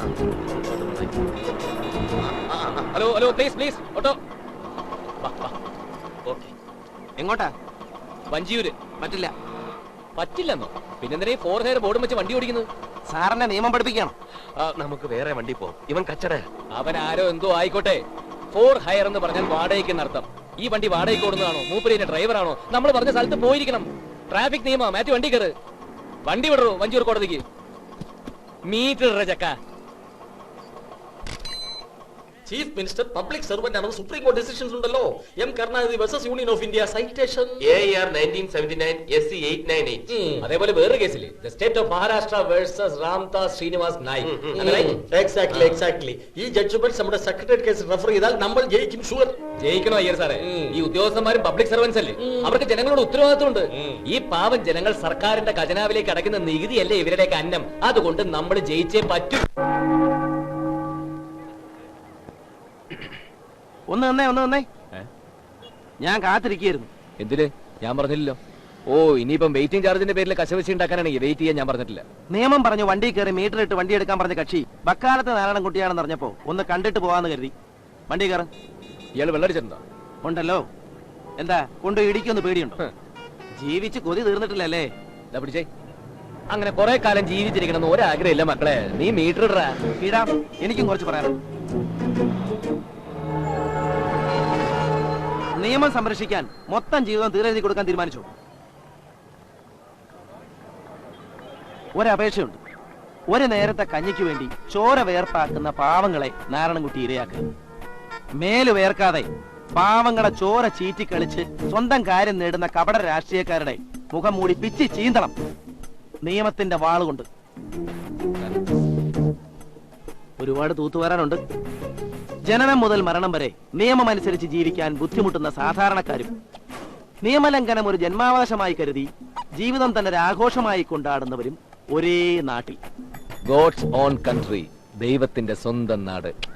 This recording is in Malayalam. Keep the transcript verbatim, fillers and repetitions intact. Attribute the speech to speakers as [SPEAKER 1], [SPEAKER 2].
[SPEAKER 1] Hello hello please please auto.
[SPEAKER 2] എങ്ങോട്ടാ?
[SPEAKER 1] വഞ്ചിയൂര്.
[SPEAKER 2] പറ്റില്ല.
[SPEAKER 1] പറ്റില്ലെന്നോ? പിന്നെന്തിനാ ഫോർ ഹെയർ ബോർഡും വെച്ച് വണ്ടി ഓടിക്കുന്നത്?
[SPEAKER 2] സാറിനെ നിയമം പഠിപ്പിക്കണം.
[SPEAKER 3] നമുക്ക് വേറെ വണ്ടി പോകും. ഇവൻ കച്ചട.
[SPEAKER 1] അവൻ ആരോ എന്തോ ആയിക്കോട്ടെ. ഫോർ ഹയർ എന്ന് പറഞ്ഞാൽ വാടകയ്ക്ക് എന്നർത്ഥം. ഈ വണ്ടി വാടകയ്ക്ക് ഓടുന്നതാണോ മൂപ്പരിന്റെ ഡ്രൈവറാണോ? നമ്മൾ പറഞ്ഞ സ്ഥലത്ത് പോയിരിക്കണം. ട്രാഫിക് നിയമ മാറ്റി വണ്ടി കയറ്. വണ്ടി വിടറോ വഞ്ചൂർ കോടതിക്ക്. മീറ്റർ ചക്ക.
[SPEAKER 3] ചീഫ് മിനിസ്റ്റർ പബ്ലിക് സർവന്റ് ആണ്. സുപ്രീം കോടതി ഡിസിഷൻസ് ഉണ്ടല്ലോ. M Karunanidhi versus union of India citation A R nineteen seventy nine S C eight nine eight.
[SPEAKER 1] അതേപോലെ വേറെ കേസില്ലേ, the state of Maharashtra versus Ramdas Srinivas Nayak.
[SPEAKER 3] Exactly exactly. ഈ ജഡ്ജ്മെന്റ് നമ്മുടെ സെക്രട്ടേറിയറ്റ് കേസ് റെഫർ ചെയ്താൽ നമ്മൾ ജയിക്കും. ഷുവർ
[SPEAKER 1] ജയിക്കണോ അയ്യർ സാറേ? ഈ ഉദ്യോഗസ്ഥന്മാരും പബ്ലിക് സർവൻസ് അല്ലേ, അവർക്ക് ജനങ്ങളോട് ഉത്തരവാദിത്വമുണ്ട്. ഈ പാവം ജനങ്ങൾ സർക്കാരിന്റെ ഖജനാവിലേക്ക് അടയ്ക്കുന്ന നികുതിയല്ലേ ഇവരുടെയൊക്കെ അന്നം. അതുകൊണ്ട് നമ്മൾ ജയിച്ചേ പറ്റൂ.
[SPEAKER 2] ഒന്ന് നന്നേ ഒന്ന് നന്നേ ഞാൻ കാത്തിരിക്കുന്നു.
[SPEAKER 1] എന്തിന്? ഞാൻ പറഞ്ഞില്ലല്ലോ. ഓ, ഇനിയിപ്പം വെയിറ്റിംഗ് ചാർജിന്റെ പേരിൽ കശവശി ഉണ്ടാക്കാനാണെങ്കിൽ വെയിറ്റ് ചെയ്യാൻ ഞാൻ പറഞ്ഞിട്ടില്ല.
[SPEAKER 2] നിയമം പറഞ്ഞു വണ്ടി കയറി മീറ്റർ ഇട്ട് വണ്ടി എടുക്കാൻ പറഞ്ഞ കക്ഷി ബക്കാലത്തെ നാരായണൻകുട്ടിയാണെന്ന് അറിഞ്ഞപ്പോ ഒന്ന് കണ്ടിട്ട് പോവാന്ന് കരുതി. വണ്ടി കയറും.
[SPEAKER 1] ഇയാൾ വെള്ളടിച്ചിട്ടുണ്ടോ?
[SPEAKER 2] ഉണ്ടല്ലോ. എന്താ കൊണ്ട് ഇടിക്കൊന്ന് പേടിയുണ്ടോ? ജീവിച്ച് കൊതി തീർന്നിട്ടില്ലല്ലേ?
[SPEAKER 1] എന്താ പിടിച്ചേ? അങ്ങനെ കുറെ കാലം ജീവിച്ചിരിക്കണം ഒരാഗ്രഹം ഇല്ല മക്കളെ. നീ മീറ്റർ ഇടാ.
[SPEAKER 2] ഇടാം. എനിക്കും കുറച്ച് പറയാനുണ്ട്. നിയമം സംരക്ഷിക്കാൻ മൊത്തം ജീവിതം തീരെഴുതി കൊടുക്കാൻ തീരുമാനിച്ചു. ഒരപേക്ഷയുണ്ട്. ഒരു നേരത്തെ കഞ്ഞിക്ക് വേണ്ടി ചോര വേർപ്പാക്കുന്ന പാവങ്ങളെ നാരായണൻകുട്ടി ഇരയാക്കുക. മേല് വേർക്കാതെ പാവങ്ങളെ ചോര ചീറ്റിക്കളിച്ച് സ്വന്തം കാര്യം നേടുന്ന കപട രാഷ്ട്രീയക്കാരുടെ മുഖം മൂടി പിച്ചി ചീന്തണം നിയമത്തിന്റെ വാളുകൊണ്ട്. ഒരുപാട് തൂത്തുവരാനുണ്ട്. ജനനം മുതൽ മരണം വരെ നിയമമനുസരിച്ച് ജീവിക്കാൻ ബുദ്ധിമുട്ടുന്ന സാധാരണക്കാരും നിയമലംഘനം ഒരു ജന്മാവകാശമായി കരുതി ജീവിതം തന്നെ ഒരു ആഘോഷമായി കൊണ്ടാടുന്നവരും ഒരേ നാട്ടിൽ.
[SPEAKER 1] ഗോഡ്സ് ഓൺ കൺട്രി, ദൈവത്തിന്റെ സ്വന്തം നാട്.